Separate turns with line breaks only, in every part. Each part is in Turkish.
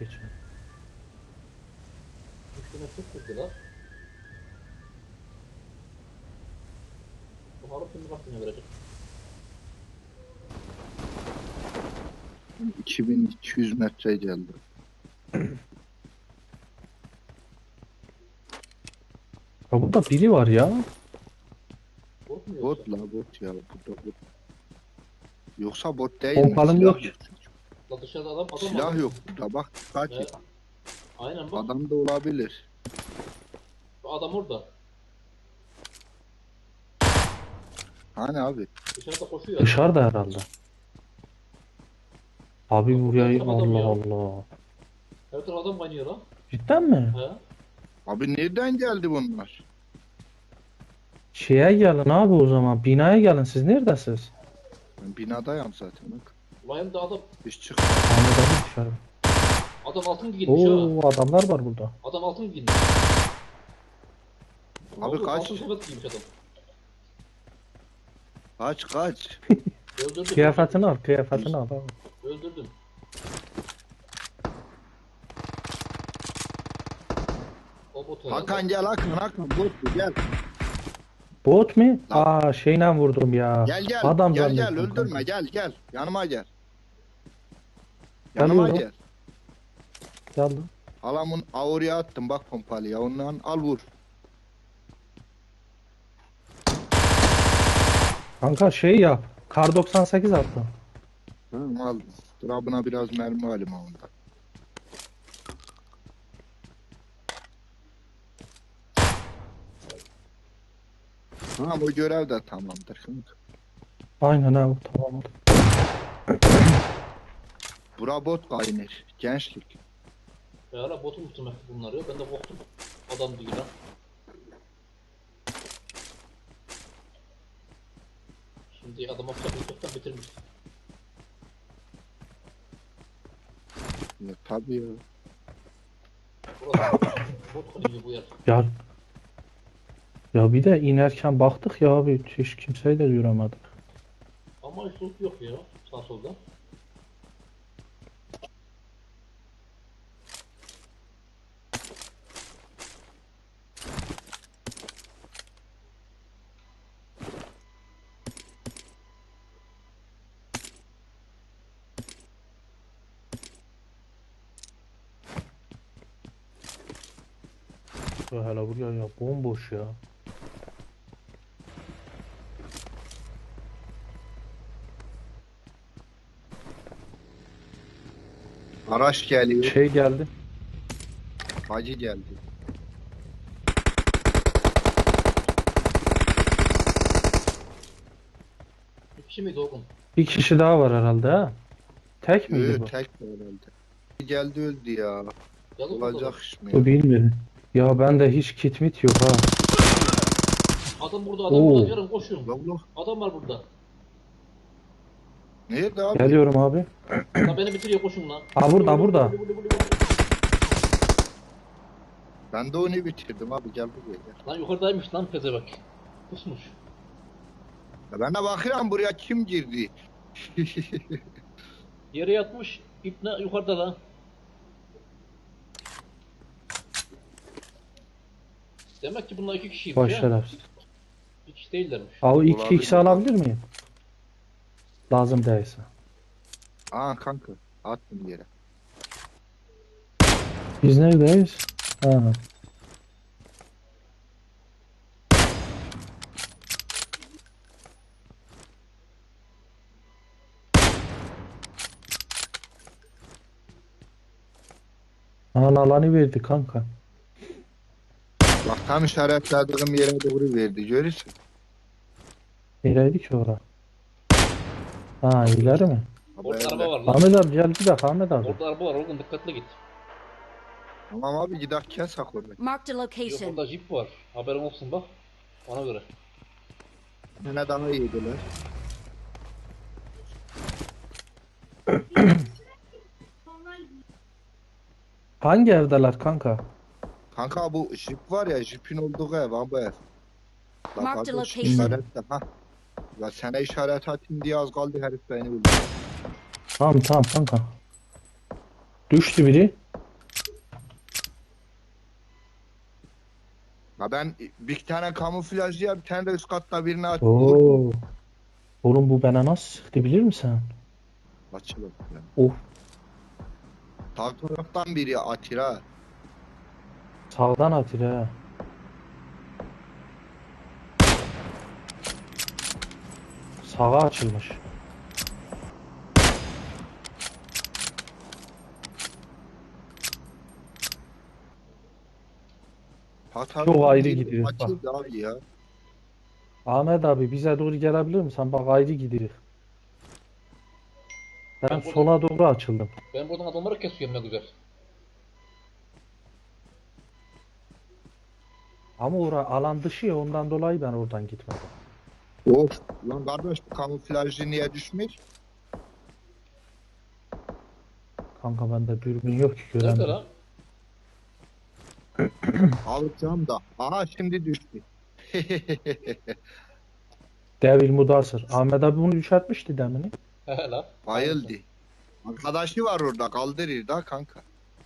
geçiyor.
Üstüne çok kırdılar. Bakalım şimdi kaç verecek.
2200 metre geldi.
Ya burada biri var ya.
Korkmuyor
Bot
yoksa.
la bot ya. Burada bot. Yoksa bot değil mi?
Pompalım
Silah
yok.
yok.
La dışarıda adam var.
Silah yok burada bak. Kaç
Evet. Aynen bak.
adam da olabilir.
Adam orada.
Hani abi?
Dışarıda koşuyor.
Dışarıda herhalde. Abi
Lan
buraya
burada adam
Allah
ya.
Allah.
Her taraf adam kaynıyor lan.
Cidden mi?
He.
Abi nereden geldi bunlar?
Şeye gelin abi o zaman. Binaya gelin. Siz neredesiniz?
Ben binadayım zaten bak.
Ulan da adam.
Hiç çık.
Ahmet abi dışarı.
Adam altın giymiş ha.
Oo adamlar var burada.
Adam altın giymiş.
Abi kaç.
Altın sepet giymiş adam.
Kaç.
Öldürdüm.
Kıyafetini al. Kıyafetini al. Abi.
Öldürdüm. O bot herhalde.
Hakan gel Hakan bot bu, gel.
Bot mu?
Lan.
Aa şeyle vurdum ya.
Gel
Adam
gel
zannettim
öldürme
kanka.
gel yanıma gel. Yanıma
Geliyorum.
gel.
Geldim.
Halamın oraya attım bak pompalıya ondan al vur.
Kanka şey yap. Kar 98 attım.
Hı, al. Durabına biraz mermi alayım ondan. Ha bu görev de tamamdır.
Aynen abi tamam.
Bura bot kaynır. Gençlik.
Ya hala botu muhtemelen bunlar ya. Ben de korktum. Adam değil lan. Şimdi adam atacak çoktan bitirmiş.
Ya, tabii ya.
Burası bot kaynıyor bu yer.
Ya ya bir de inerken baktık ya abi hiç kimseyi de göremedik.
Ama hiç loot yok ya. Sağ solda.
Ya hele buraya ya bomboş ya.
Araç geliyor.
Şey geldi.
Hacı geldi.
Bir kişi miydi oğlum?
Bir kişi daha var herhalde ha. Tek miydi bu?
Tek herhalde. Geldi öldü ya.
Yazık
Olacak
burada.
iş mi
Bu
ya?
bilmiyorum. Ya bende hiç kit mit yok ha.
Adam burada, adam
Oo.
burada. Yarın koşuyorum.
Allah.
Adam var burada.
Nerede abi?
Geliyorum abi.
La beni bitiriyor koşun lan.
Ha burada.
Ben de onu bitirdim abi gel buraya gel.
Lan yukarıdaymış lan pezebek. Kusmuş.
Ya ben de bakıyorum buraya kim girdi?
Yere yatmış. İpne yukarıda lan. Demek ki bunlar iki kişiymiş
Baş
ya.
şerefsiz.
Bir kişi değillermiş.
Abi
Olabilir.
2x alabilir miyim? Lazım değilse.
Aa kanka attım yere.
Biz neredeyiz? Ha. Alanı verdi kanka.
Bak tam işaretlediğim yere doğru verdi görürsün.
Nereydi ki ora? Ha ileri mi?
Orada
Haberle.
araba var lan.
Ahmet abi gel bir dakika Ahmet abi.
Orada araba var oğlum, dikkatli git.
Tamam abi giderken sakor beni.
Marked a
Yok
location.
orada jip var. Haberin olsun bak. Ona göre.
Yine daha iyiydiler.
Hangi evdeler kanka?
Kanka bu jip var ya jipin olduğu ev abi ev. Bak
Mark the
abi,
location.
işaretle ha. Ya sana işaret atayım diye az kaldı herif beni öldürdü.
Tamam kanka. Düştü biri.
Ya ben bir tane kamuflajcıya bir tane de üst katta birini açtım.
Oo. Oğlum bu bana nasıl sıktı bilir misin?
Açılır. Yani.
Of.
Sağ taraftan biri atır ha.
Sağdan atır ha. Sağa açılmış.
Sağ
Çok
taraftan
ayrı
biri
gidiyoruz bak.
açıldı abi ya.
Ahmet abi bize doğru gelebilir misin? Bak ayrı gidiyoruz. Ben
Ben burada,
sola doğru açıldım.
ben buradan adamları kesiyorum ne güzel.
Ama ora alan dışı ya ondan dolayı ben oradan gitmedim.
Of. Lan kardeş bu kamuflajcı niye düşmüş?
Kanka bende dürbün yok ki
Nerede
göremiyorum.
lan?
Alacağım da. Aha şimdi düştü.
Devil Mudasır. Ahmet abi bunu düşertmişti demini.
He lan.
Bayıldı. Arkadaşı var orada kaldırır da kanka.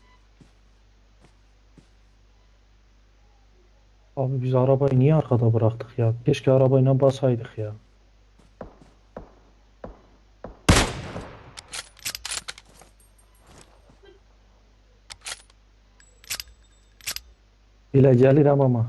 Abi biz arabayı niye arkada bıraktık ya? Keşke arabayla basaydık ya. Bile gelirim ama.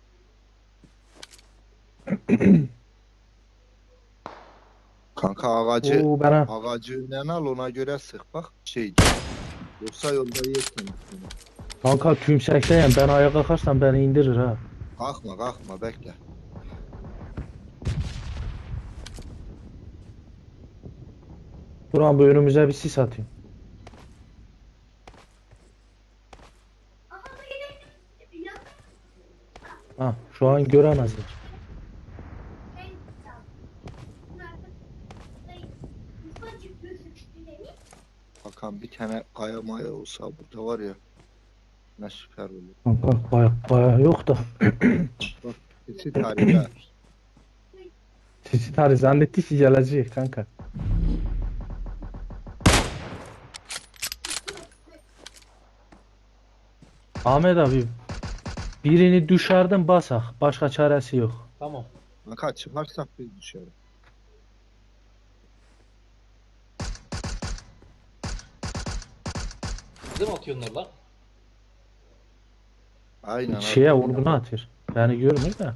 Kanka ağacı
Oo bana.
ağacı al ona göre sık bak şey. Yoksa yolda yersin.
Kanka tümsekteyim. Ben ayağa kalkarsam beni indirir ha.
Kalkma kalkma bekle.
Buran bu önümüze bir sis atayım. Ha şu an göremez hiç.
Bakan bir tane kaya maya olsa burada var ya. Ne süper olur.
Kanka baya yok da.
Sesi tarihi.
Sisi tarih zannetti ki gelecek kanka. Ahmet abi birini düşerdim basak. Başka çaresi yok.
Tamam.
Kanka çıkarsak biz dışarı.
Bize mi atıyorlar lan?
Aynen.
Şeye
abi.
vurgunu atıyor. Beni görmüyor da.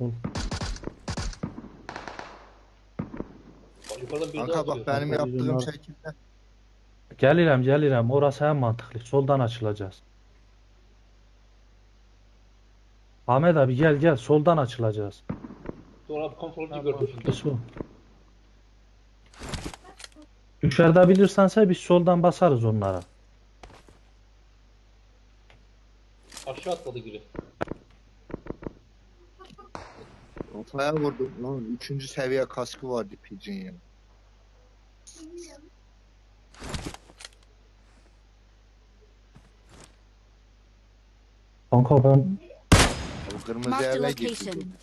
Bak, yukarıdan biri daha
Kanka
atıyor.
bak benim
Kanka biz
yaptığım
onlar-
şekilde.
Gelirim. Orası en mantıklı. Soldan açılacağız. Ahmet abi gel. Soldan açılacağız.
Sonra abi kontrolcü gördüm şimdi.
Su. Dışarıda bilirsense biz soldan basarız onlara.
Aşağı atladı biri.
Kafaya vurdum. Lan 3. seviye kaskı vardı Pigeon ya.
Kanka ben
O kırmızı
Marked a
eve
location.
gitti.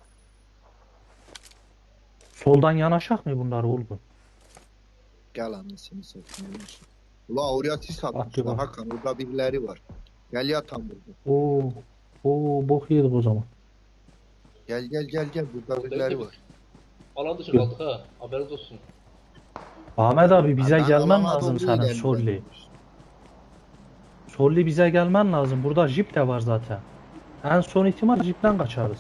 soldan yanaşak mı bunlar olgun?
Gel anasını satayım. Ula oraya sis
Attı
atmışlar.
bak.
Hakan orada birileri var. Gel yatan burada.
Oo bok yedik o zaman.
Gel. Burada
Orada
birileri
biz.
var.
Alan dışı kaldık ha. Haberiniz olsun.
Ahmet abi bize
Ben
gelmen
alana
lazım
doğru
senin
ilerliyorum.
Solli. Solli bize gelmen lazım. Burada jip de var zaten. En son ihtimal jipten kaçarız.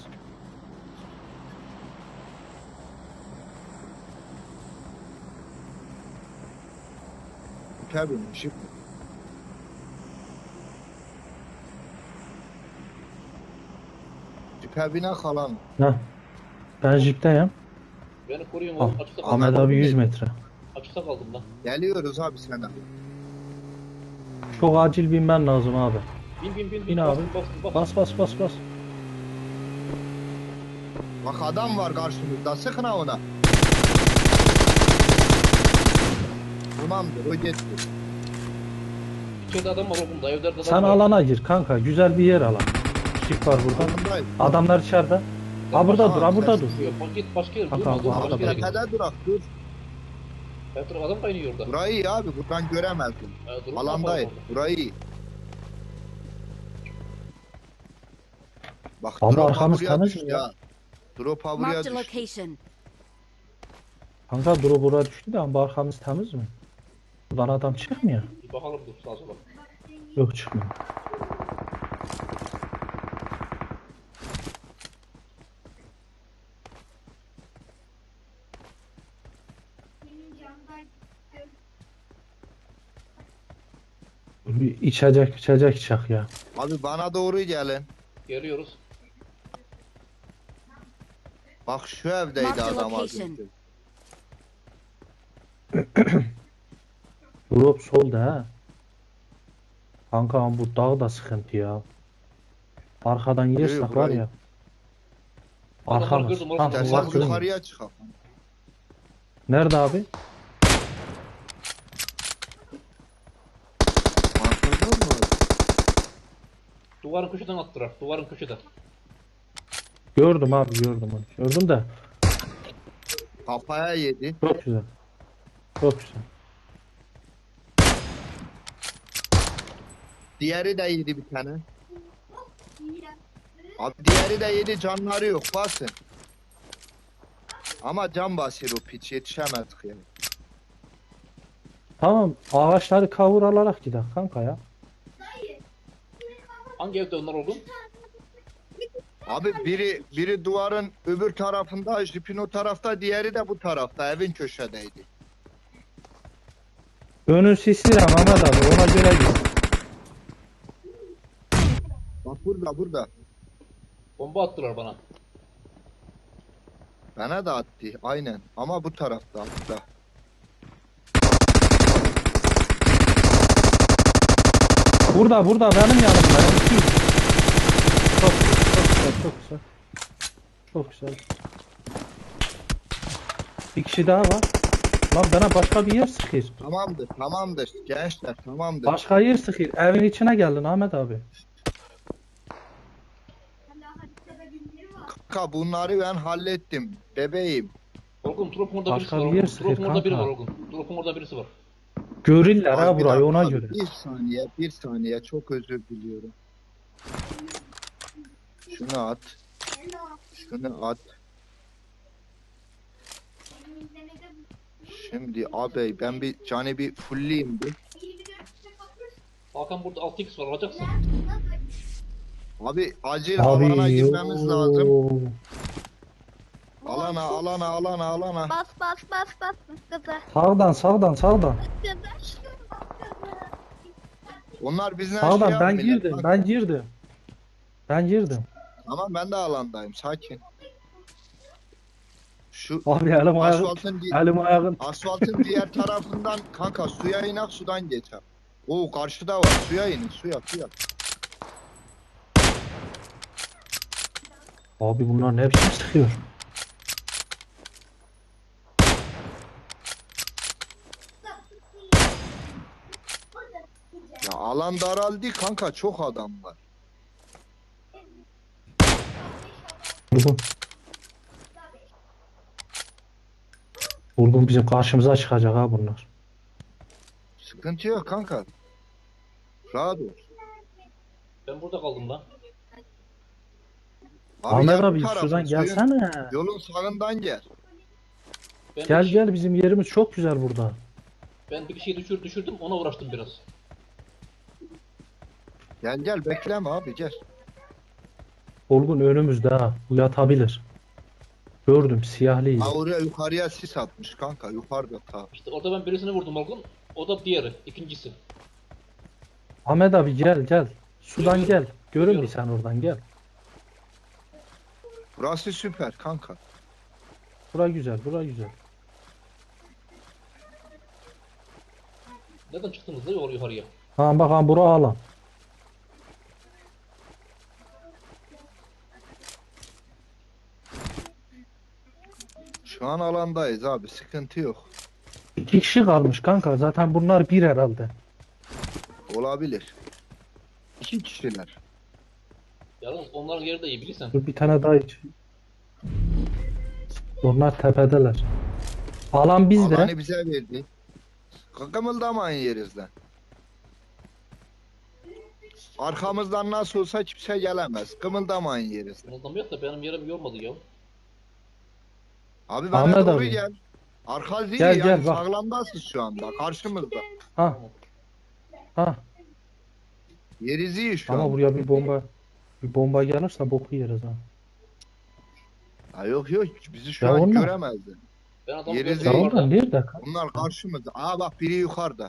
Süper binmişim. Süper bina kalan.
Heh. Ben jipteyim.
Beni koruyun
Ah,
oğlum. Açıkta kaldım.
Ahmet abi 100 metre.
Açıkta kaldım lan.
Geliyoruz abi sana.
Çok acil binmen lazım abi.
Bin.
Bin abi.
Bas.
Bas.
Bak adam var karşımızda. Sıkın ha ona. Tamamdır o gitti.
İçeride adam var oğlum da. Evlerde adam
Sen
var.
alana gir kanka. Güzel bir yer alan. Jip var burada.
Yanındayım.
Adamlar içeride. Ha burada dur. Ha burada dur.
Bak git başka yere.
Kanka,
Durma dur.
bu
Başka yere git.
Tepede durak dur.
Her taraf adam kaynıyor orada.
Burayı iyi abi buradan göremezdim.
Durma,
Alandayım.
yapalım orada.
Burayı iyi. Bak
Ama
drop
arkamız
buraya
temiz
düştü
mi ya?
ya. Drop buraya
Marked a
düştü.
location.
Kanka drop buraya düştü de ama arkamız temiz mi? Buradan adam çıkmıyor.
Bir bakalım dur sağa sola.
Yok çıkmıyor. Bir içecek çak ya.
Abi bana doğru gelin.
Geliyoruz.
Bak şu evdeydi
Mark the
adam az
location.
önce.
Drop solda ha. Kanka ama bu dağ da sıkıntı ya. Arkadan yersek var
burayı-
ya.
Adamları
Arkamız.
gördüm, orası
Tam
da-
İstersen
uzak durmuyor.
yukarıya çıkalım.
Nerede abi?
Anladın mı?
Duvarın köşeden attılar. Duvarın köşeden.
Gördüm abi gördüm onu. Gördüm de
Kafaya yedi.
çok güzel. Çok güzel.
Diğeri de yedi bir tane. Abi diğeri de yedi, canları yok, basın. Ama can basıyor o piç, yetişemedik yani.
Tamam ağaçları kavur alarak gidelim kanka ya.
Hangi evde onlar oğlum?
Abi biri duvarın öbür tarafında, jipin o tarafta, diğeri de bu tarafta, evin köşedeydi.
Önün sisli ama Mehmet abi ona göre git.
Bak burada.
Bomba attılar bana.
Bana da attı, aynen. Ama bu tarafta, burada.
Burada benim yanımda. Çok güzel, çok güzel. Çok güzel. Bir kişi daha var. Lan bana başka bir yer sıkıyor.
Tamamdır gençler, tamamdır.
Başka yer sıkıyor. Evin içine geldin Ahmet abi.
Kanka bunları ben hallettim, bebeğim.
Olgun drop'un orada birisi
Başka
var.
bir yer
Olgun.
sıkıyor
Drop'un orada biri var
kanka.
Olgun. Drop'un orada birisi var.
Görürler ha
Abi bir
burayı
dakika
ona
abi,
göre.
Bir saniye, çok özür diliyorum. Şunu at. Şimdi abi ben bir canı bir fullleyeyim bir.
Hakan burada 6x var alacaksın.
Abi acil alana girmemiz lazım.
oo.
Alana.
Bas gaza.
Sağdan.
Onlar bizden
Sağdan
şey
ben
yapmıyorlar.
girdim.
Bak,
Ben girdim.
Tamam ben de alandayım, sakin. Şu
Abi elim ayağım. Elim ayağım.
asfaltın diğer tarafından kanka suya inak, sudan geçer. Oo karşıda var, suya inin, suya.
Abi bunlar ne biçim sıkıyor?
Ya alan daraldı kanka, çok adam var.
Vurgun. Vurgun bizim karşımıza çıkacak ha bunlar.
Sıkıntı yok kanka. Rahat ol.
Ben burada kaldım lan.
Ahmet
gel bu
abi
tarafa,
şuradan
suyun-
gelsene.
Yolun sağından gel.
Ben
Gel
bir,
gel bizim yerimiz çok güzel burada.
Ben bir kişiyi düşürdüm ona uğraştım biraz.
Gel bekleme abi, gel.
Vurgun önümüzde ha. Bu yatabilir. Gördüm siyahlıydı.
Ha oraya yukarıya sis atmış kanka, yukarıda ta.
İşte orada ben birisini vurdum Olgun. O da diğeri, ikincisi.
Ahmet abi gel. Sudan
Geliyorum.
gel. Görün mü
Geliyorum.
sen oradan gel.
Burası süper kanka.
Bura güzel.
Neden çıktınız da yol yukarıya?
Ha bak ha bura alan.
Şu an alandayız abi, sıkıntı yok.
2 kişi kalmış kanka. Zaten bunlar bir herhalde.
Olabilir. 2 kişiler.
Yalnız onların yeri de iyi bilirsen.
Dur bir tane daha iç. Onlar tepedeler. Alan bizde.
Alanı bize verdi. Kımıldamayın yerinizden. Arkamızdan nasıl olsa kimse gelemez. Kımıldamayın yeriz.
Ondan yok da benim yerim yormadı ya.
Abi bana
Ahmet
doğru
abi.
gel. Arka değil
Gel,
yani
gel, bak.
sağlamdasın şu anda karşımızda.
Ha. Ha.
Yeriz iyi şu
Ama
an.
buraya bir bomba gelirse boku yeriz ha.
Ha, yok yok bizi şu
Ya
an
onlar-
göremezdi.
Ben adamı
Yeriz
gördüm
Ya
iyi.
orada.
oradan nerede?
Bunlar karşımızda. Aa bak biri yukarıda.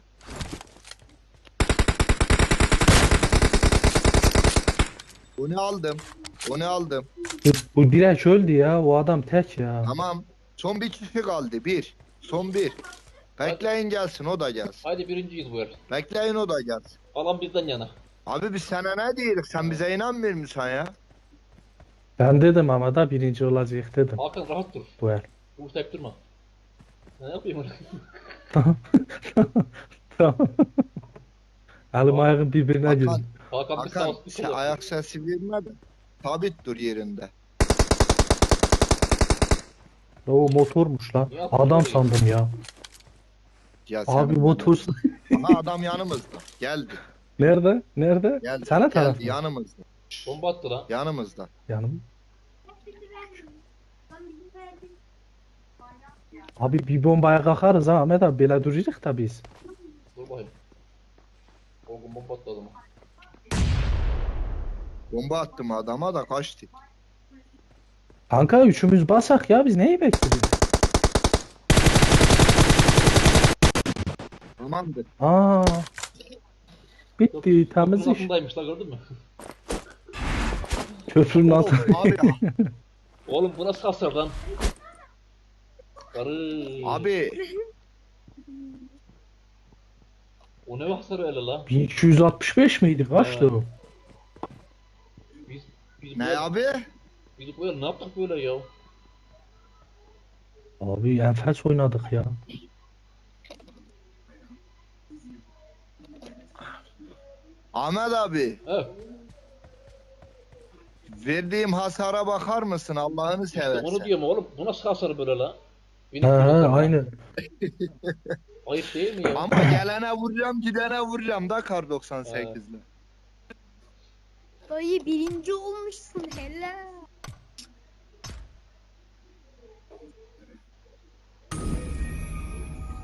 Onu aldım. Onu aldım.
Bu direkt öldü ya. O adam tek ya.
Tamam. Son bir kişi kaldı. Bir. Son bir. Bekleyin gelsin o da gelsin.
Haydi birinciyiz bu yer.
Bekleyin o da gelsin.
Alan bizden yana.
Abi biz sana ne diyoruz? Sen bize inanmıyor musun ya?
Ben dedim ama da birinci olacak dedim
Hakan rahat dur.
bu el.
Vurtayıp durma. Ne yapayım onu?
Tamam. Elim ayağım birbirine
Hakan,
girdi.
Hakan bir sağ
Hakan
olsun.
sen ayak sesi verme de. Sabit dur yerinde.
O motormuş lan.
Ya,
Adam
motor
sandım ya.
Ya
Abi
sen-
motor.
Aha adam yanımızda. Geldi.
Nerede? Nerede?
Geldi.
Sana taraf
Geldi
mı?
yanımızda.
Bomba attı lan.
Yanımızda.
Yanım. Abi bir bombaya kalkarız ha Ahmet abi. Böyle duracak da biz.
Dur bakayım. O gün bomba attı adama.
Bomba attım adama da kaçtı.
Kanka üçümüz basak ya. Biz neyi bekliyoruz?
Tamamdır.
Aa. Bitti. Temiz
Köprünün
iş.
altındaymış lan gördün mü?
Köprünün altı.
Abi,
Oğlum bu nasıl hasar lan? Karı.
abi
O ne hasar öyle lan?
1265 miydi? Kaçtı o?
Biz
ne abi?
Biz böyle ne yaptık böyle ya?
Abi enfes oynadık ya.
Ahmet abi
He.
verdiğim hasara bakar mısın Allah'ını
İşte
seversen.
onu diyorum oğlum. Bu nasıl hasar böyle lan?
He he aynen.
Ayıp değil mi ya?
Ama gelene vuracağım gidene vuracağım da kar 98'le.
Dayı birinci olmuşsun helal.